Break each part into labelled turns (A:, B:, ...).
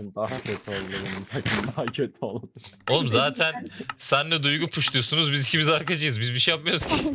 A: takım daha kötü oldu, benim takım daha kötü oldu.
B: Oğlum zaten senle Duygu puşluyorsunuz. Biz ikimiz arkacıyız. Biz bir şey yapmıyoruz ki.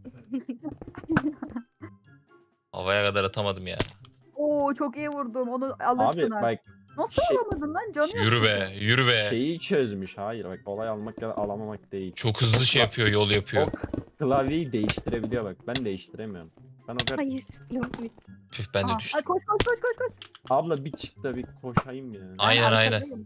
B: Havaya kadar atamadım ya.
C: Oo çok iyi vurdum. Onu alırsın
A: Abi
C: artık.
A: bak
C: Nasıl
A: şey-
C: alamadın lan? Canı yok.
B: Yürü be, yürü be.
A: şeyi çözmüş. Hayır bak, olay almak ya da alamamak değil.
B: Çok hızlı şey yapıyor, yol
A: O
B: yapıyor.
A: klavyeyi değiştirebiliyor bak. Ben değiştiremiyorum. Ben o kadar...
D: Hayır. Yok.
B: Püh ben de
C: Aha,
B: düştüm.
C: ay koş koş koş koş koş.
A: Abla bir çık da bir koşayım ya.
B: Aynen,
C: Ben
B: aynen.
C: arkadayım.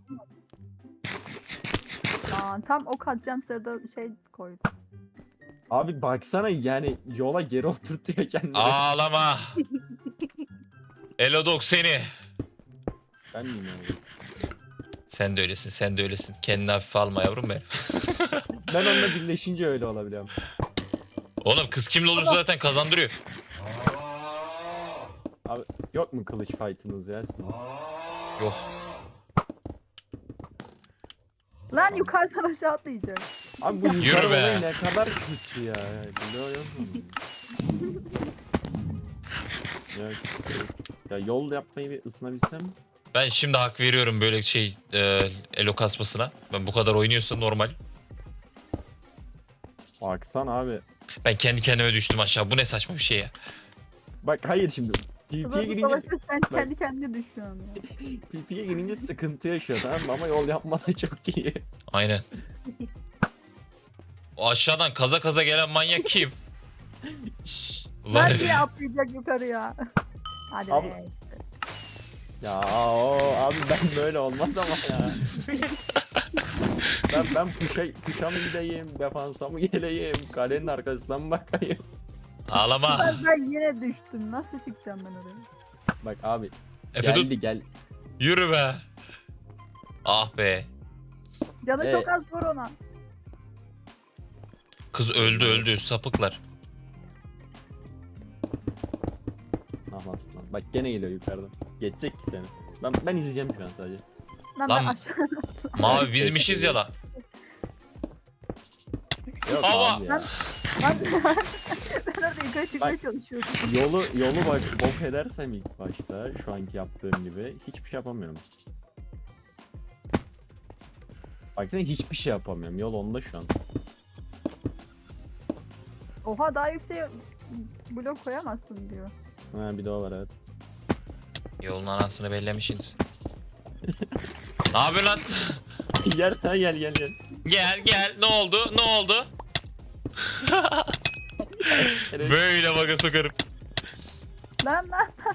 C: Aa, tam ok atacağım sırada şey koydum.
A: Abi baksana, yani yola geri oturtuyor kendini.
B: Ağlama. Elodok seni.
A: Ben miyim abi?
B: Sen de öylesin, sen de öylesin. Kendini hafife alma yavrum benim.
A: Ben onunla birleşince öyle olabiliyorum.
B: Oğlum kız kimle olursa zaten kazandırıyor.
A: Abi yok mu kılıç fight'ınız ya sizin?
B: Yok.
C: Lan yukarıdan aşağı atlayacak.
A: Abi bu
B: Yürü
A: yukarı
B: be.
A: olayı ne kadar kötü ya. Biliyor musun? ya, ya yol yapmayı bir ısınabilsem.
B: Ben şimdi hak veriyorum böyle şey elo kasmasına. Ben bu kadar oynuyorsa normal.
A: Baksana abi.
B: Ben kendi kendime düştüm aşağı. Bu ne saçma bir şey ya.
A: Bak hayır şimdi. PvP'ye
C: Kızıl
A: girince,
C: savaşta sen kendi kendine düşüyorsun ya.
A: PvP'ye girince sıkıntı yaşıyor, tamam mı? Ama yol yapmada çok iyi.
B: Aynen. O aşağıdan kaza kaza gelen manyak kim?
A: Şşş.
B: Ulan
C: Her
B: Efe.
C: şey atlayacak yukarıya. Hadi
A: Abi-
C: be.
A: Ya abi ben böyle olmaz ama ya. ben puşa mı gideyim, defansa mı geleyim, kalenin arkasından mı bakayım?
B: Ağlama.
C: Ben yine düştüm. Nasıl çıkacağım ben oraya?
A: Bak abi
B: Efe tut.
A: gel.
B: Yürü be. Ah be.
C: Canı çok az vur ona.
B: Kız öldü sapıklar.
A: Ah lan. Bak gene geliyor yukarıdan. Geçecek ki seni. Ben izleyeceğim şu an sadece.
C: Ben
B: Lan-
C: aşağı.
B: Mavi bizmişiz ya la.
A: Yok
B: Ama-
A: abi ya.
C: Ben orada yukarı çıkmaya çalışıyordum.
A: Yolu bak bok edersem ilk başta şu anki yaptığım gibi hiçbir şey yapamıyorum. Baksana hiçbir şey yapamıyorum. Yol onda şu an.
C: Oha daha yüksek blok koyamazsın diyor.
A: Ha bir de o var, evet.
B: Yolun anasını bellemişsiniz. Ne yapıyorsun lan?
A: gel.
B: Gel ne oldu Böyle baka sokarım.
C: Lan.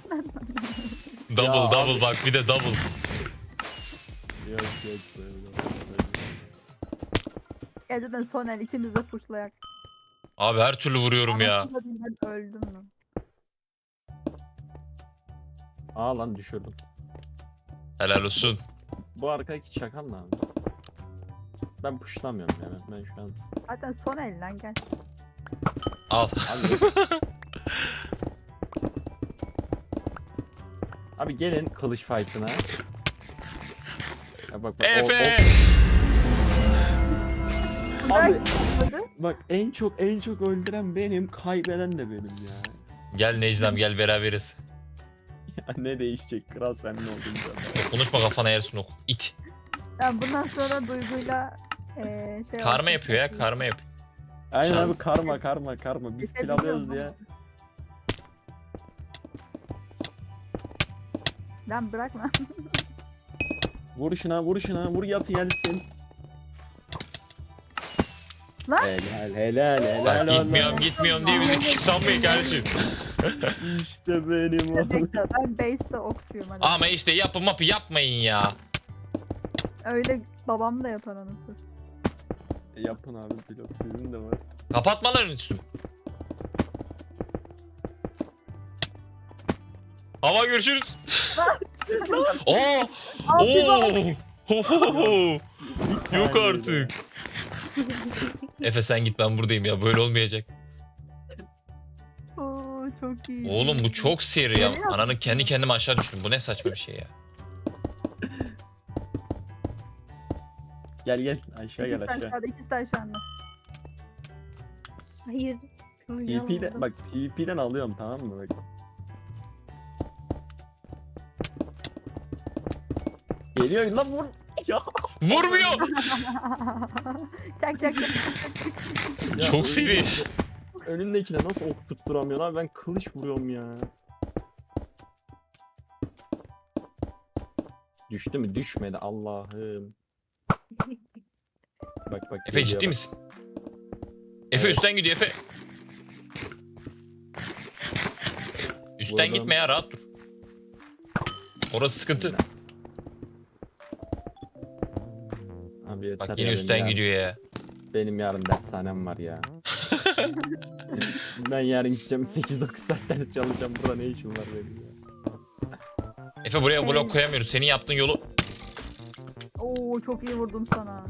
B: Double bak bir de double.
A: Yok böyle.
C: Geceden son el ikimiz de puşlayak.
B: Abi her türlü vuruyorum ya.
C: Anasını satayım, ben öldüm lan.
A: Aa lan düşürdüm.
B: Helal olsun.
A: Bu arkadaki çakal ne abi? Ben puşlamıyorum yani. Ben şu an...
C: Zaten son el lan gel.
B: Al.
A: Abi, abi gelin kılıç fight'ına. Ya bak,
B: Efe!
A: Abi
C: Abi.
A: bak en çok öldüren benim, kaybeden de benim ya.
B: Gel Necdem gel beraberiz.
A: Ya ne değişecek, kral sen ne oldun sen?
B: Konuşma kafana yersin ok. İt.
C: Ben bundan sonra Duygu'yla şey
B: Karma
C: olsun,
B: yapıyor ya
C: çok iyi.
B: karma yapıyor.
A: Aynen
B: Şans.
A: abi, karma. Biz kill alıyoruz diye.
C: Lan bırakma.
A: Vur şuna, vur yatı gelsin.
C: Lan.
A: Helal
B: Bak
A: oğlum.
B: gitmiyorum diye bizi küçük sanmayın kardeşim.
A: İşte benim oğlum.
C: Bekle, ben base'de okçuyum hadi.
B: Ama işte yapmayın ya.
C: Öyle babam da yapar anasını.
A: Yapın abi, blok sizin de var.
B: Kapatmaların üstünü. Hava görüşürüz. Oo! Oo! Hohoho!
A: Bir
B: Yok
A: saniyede.
B: artık. Efe sen git ben buradayım ya böyle olmayacak.
C: Oo çok iyi.
B: Oğlum bu çok seri ya.
C: Geliyor.
B: Ananın kendi kendime aşağı düştüm. Bu ne saçma bir şey ya.
A: Gel aşağı
C: İkisi
A: gel
C: de
A: aşağı.
C: aşağıda, ikisi de aşağıda.
D: Hayır.
A: PvP'den bak, PvP'den alıyorum, tamam mı bak. Geliyor lan vur. Ya.
B: Vurmuyor.
C: Çak çak çak.
A: Ya
B: Çok seri.
A: Önündekine nasıl ok tutturamıyor lan? Ben kılıç vuruyorum ya. Düştü mü? Düşmedi Allah'ım. Bak
B: Efe
A: geliyor
B: ciddi
A: bak.
B: misin? Efe
A: Evet.
B: üstten gidiyor Efe. Üstten
A: Vurdum.
B: gitme ya, rahat dur. Orası sıkıntı.
A: Abi yeter
B: Bak
A: ya,
B: yine üstten
A: benim
B: gidiyor ya.
A: Benim yarın dershanem var ya. Ben yarın gideceğim 8-9 saat ders çalışacağım. Burada ne işim var benim ya.
B: Efe buraya blok koyamıyoruz. Senin yaptığın yolu...
C: Oo çok iyi vurdum sana.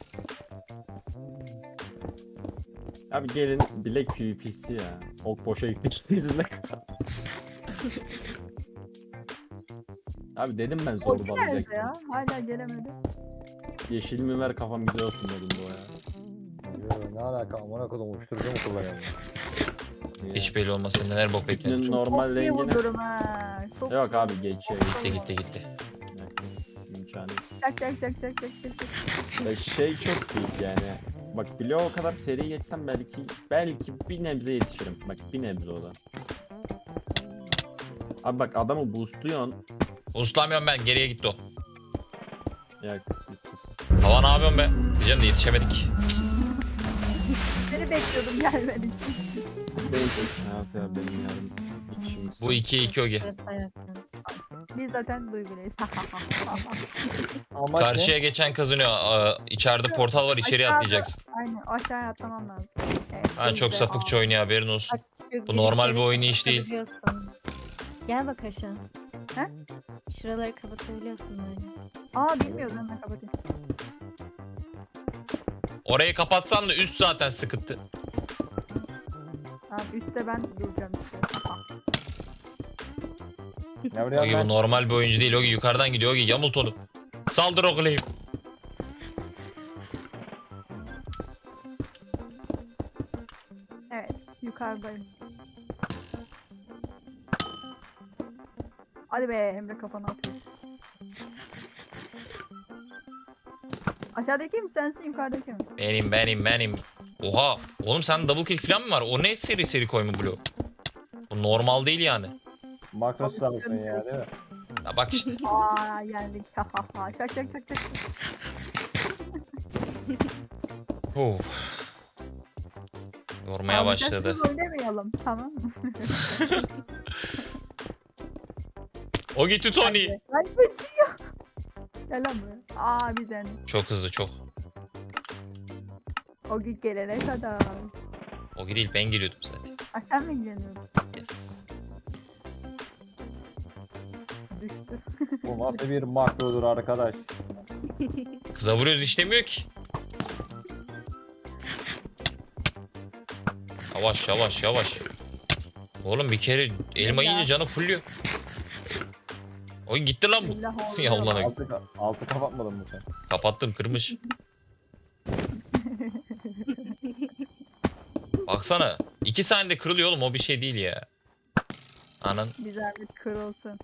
A: Abi gelin bilek PvP'si ya. Ok boşa gittik bizimle. Abi dedim ben
C: O nerede
A: zorbalayacaktım.
C: ya? Hala gelemedi.
A: Yeşilimi ver kafam güzel olsun dedim bu ya.
D: Yo, ne alaka amına kodum uyuşturucu mu kullanıyorum?
A: Niye?
B: Hiç belli olmaz. Sen neler bok
A: İçinin
B: bekliyorsun.
A: normal
C: Çok iyi
A: rengini...
C: vururum ha. Çok
A: Yok abi geçiyor.
B: Gitti.
A: İmkanı yok.
C: Çak çak çak çak çak çak.
A: Ya şey çok büyük yani. Bak bloğa o kadar seri geçsem belki bir nebze yetişirim. Bak bir nebze o da. Abi bak adamı boostluyorsun.
B: Uslamıyorum ben. Geriye gitti o.
A: Ya gitmiş.
B: Hava ne yapıyorsun be? Diyeceğim de yetişemedik.
C: Seni bekliyordum gelmedi.
A: Neyse hayat ya benim yarın işimiz.
B: Bu 2-2 Ogi.
E: Burası hayatım.
C: Biz zaten duyguluyuz.
D: Ama
B: Karşıya geçen kazanıyor. İçeride portal var, içeriye
C: Aşağıda-
B: atlayacaksın.
C: Aynen aşağıya atlamam lazım. Evet,
B: Ha çok
C: biz de-
B: sapıkça oynuyor, haberin olsun.
E: Bak, şu
B: Bu normal bir
E: girişleri
B: oyun iş değil.
E: kapatabiliyorsun. Gel bak aşağı.
C: He?
E: Şuraları kapatabiliyorsun böyle.
C: Aa bilmiyordum hemen kapatayım.
B: Orayı kapatsan da üst zaten sıkıntı.
C: Tamam üstte ben duracağım işte.
D: ne vuruyorum
B: Ogi bu
D: ben?
B: normal bir oyuncu değil. Ogi yukarıdan gidiyor. Ogi yamult onu. Saldır Ogi'yi.
C: Evet yukarıdayım. Hadi be Emre kafana atıyor. Aşağıdaki mi sensin yukarıdaki mi?
B: Benim. Oha. Oğlum sen double kill falan mı var? O ne seri koyma bloğu? Bu normal değil yani.
D: Makro sağlıksın ya değil mi?
B: Ya bak işte.
C: Aa yendik. Ha ha ha. Çak çak çak çak.
B: Of. Yormaya başladı.
C: Biz oynamayalım tamam mı?
B: Ogi Tony.
C: Ay kaçıyor. Gel lan buraya. Aa biz yendik.
B: Çok hızlı çok.
C: O gün gelene kadar.
B: Ogi değil, ben geliyordum zaten.
C: Ay sen mi ilgileniyorsun?
B: Yes.
C: Düştü.
D: Bu nasıl bir makrodur arkadaş?
B: Kıza vuruyoruz, işlemiyor ki. Yavaş. Oğlum bir kere elma yiyince canı fulluyor. Oy gitti lan bu.
C: Billah
B: Ya
C: oldu.
B: ulan
D: Altı kapatmadın mı sen?
B: kapattım, kırmış. Baksana 2 saniyede kırılıyor oğlum, o bir şey değil ya. Anan.
C: Bir zahmet kırılsın.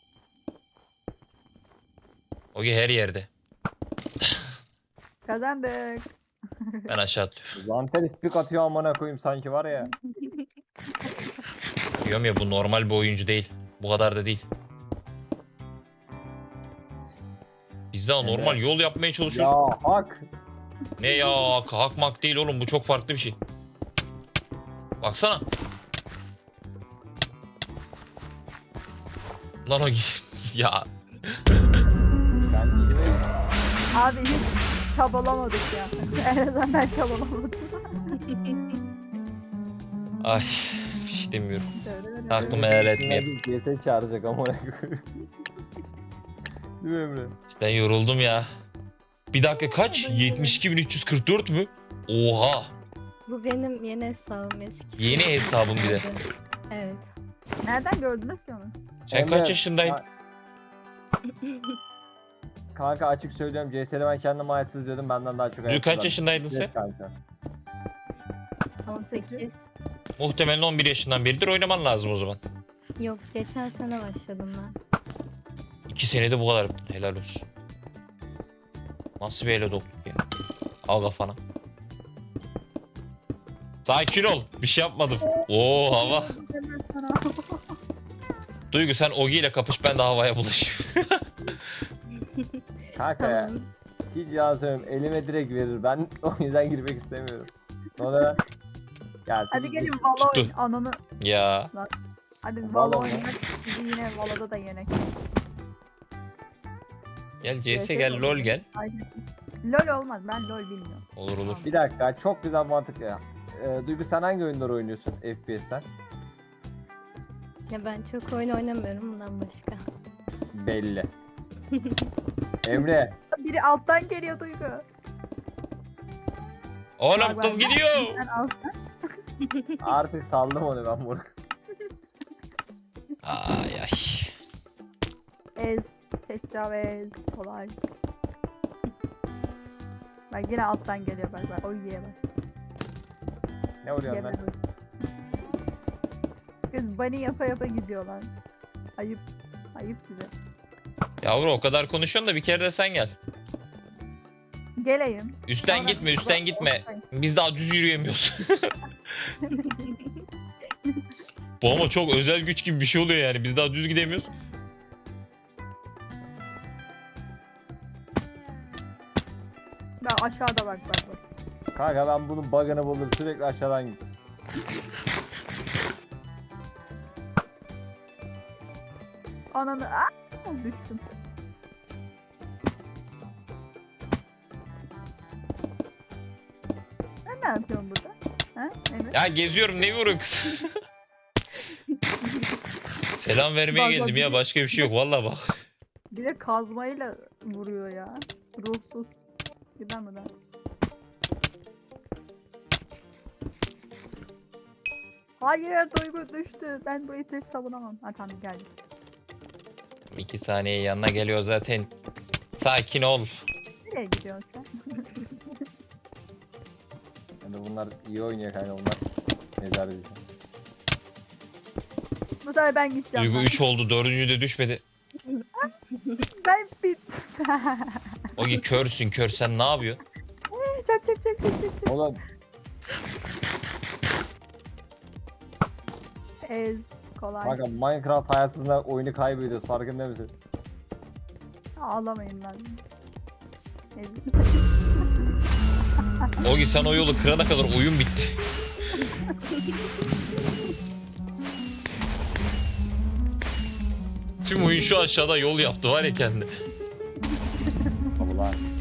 B: Ogi her yerde.
C: Kazandık.
B: Ben aşağı atlıyorum.
D: Zantel ispik atıyor amına koyayım sanki var ya.
B: Diyorum ya, bu normal bir oyuncu değil. Bu kadar da değil. Biz daha
D: Evet.
B: normal yol yapmaya çalışıyoruz.
D: Ya hak.
B: Ne ya, hakmak değil oğlum, bu çok farklı bir şey. Baksana. Lan o ya
D: Ben iyi miyim?
C: Abi hiç çabalamadık ya. En azından ben çabalamadım.
B: ay bir şey demiyorum. Aklımı helal etmeyeyim.
D: CS çağıracak amına koyayım. Değil mi Emre?
B: İşte yoruldum ya. Bir dakika kaç? 72.344 mü? Oha.
E: Bu benim yeni hesabım eski.
B: Yeni hesabım bir de.
E: Evet.
C: Nereden gördünüz ki onu?
B: Sen
D: Emre,
B: kaç yaşındaydın?
D: Kanka açık söylüyorum CS'de ben kendime ayetsiz diyordum benden daha çok
B: Dün
D: ayetsiz.
B: kaç yaşındaydın sen?
D: Evet kanka.
E: 18.
B: Muhtemelen 11 yaşından beridir oynaman lazım o zaman.
E: Yok geçen sene başladım ben.
B: 2 senede bu kadar. Helal olsun. Nasıl bir ele dokluk ya? Al kafana. Sakin ol. Bir şey yapmadım. Oo hava.
C: Hemen sana.
B: Duygu sen Ogi ile kapış, ben de havaya bulaşayım.
D: Kanka ya.
E: Tamam.
D: Hiç yalan söylüyorum. Elime direkt verir. Ben o yüzden girmek istemiyorum. Sonra... Ya
C: Hadi
D: siz-
C: gelin Valo
B: Tuttu.
C: oyun. Ananı.
B: Ya.
C: Hadi
D: Valo
C: Valo
D: mu?
C: oynamak. Bizi yine Valo'da da yenek.
B: Gel CS
C: CS
B: gel,
C: olur.
B: LOL gel.
C: Aynen. LOL olmaz. Ben LOL bilmiyorum.
B: Olur olur.
D: Bir dakika, çok güzel mantık ya. Duygu sen hangi oyunları oynuyorsun FPS'ten?
E: Ya ben çok oyun oynamıyorum bundan başka.
D: Belli. Emre,
C: Biri alttan geliyor Duygu.
B: Oğlum
C: Bak,
B: kız
C: bak.
B: gidiyor.
C: Sen alttan.
D: artık saldım onu ben moruk.
B: Ay ay.
C: Ez. Tecavüz. Kolay. Bak yine alttan geliyor bak bak. O yiye bak.
D: Ne vuruyorsun lan?
C: Yemez. Kız bunny yapa yapa gidiyorlar. Ayıp. Ayıp size.
B: Yavru o kadar konuşuyorsun da bir kere de sen gel.
C: Geleyim.
B: Üstten
C: Sonra-
B: gitme, üstten gitme. Biz daha düz yürüyemiyoruz. Bu ama çok özel güç gibi bir şey oluyor yani. Biz daha düz gidemiyoruz.
C: Ben aşağıda bak bak bak.
D: Kanka ben bunun bug'ını buldum, sürekli aşağıdan git.
C: Ananı düştüm. Sen ne yapıyorsun burada? Ha? Evet.
B: Ya geziyorum, ne vuruyorsun kız? Selam vermeye
C: Bak, bak,
B: geldim
C: bir
B: ya,
C: de-
B: başka bir şey yok vallahi bak.
C: Bir de kazmayla vuruyor ya. Ruhsuz. Gider mi lan? Hayır Duygu düştü. Ben burayı tek savunamam. Ha tamam geldim.
B: 2 saniye yanına geliyor zaten. Sakin ol.
C: Nereye gidiyorsun sen?
D: Yani bunlar iyi oynuyor kanka, bunlar. Mezar bizi.
C: Bu sefer ben gideceğim.
B: Duygu
C: ben.
B: 3 oldu, 4. de düşmedi.
C: Ben bit.
B: Ogi körsün, kör, sen ne yapıyorsun?
C: Çak.
D: Oğlum
C: Ez. Kolay.
D: kanka Minecraft hayasızla oyunu kaybediyoruz, farkında mısın?
C: Ağlamayın lan. Ez.
B: Ogi sen o yolu kırana kadar oyun bitti. Tüm oyun şu aşağıda yol yaptı var ya kendi.
D: Allah.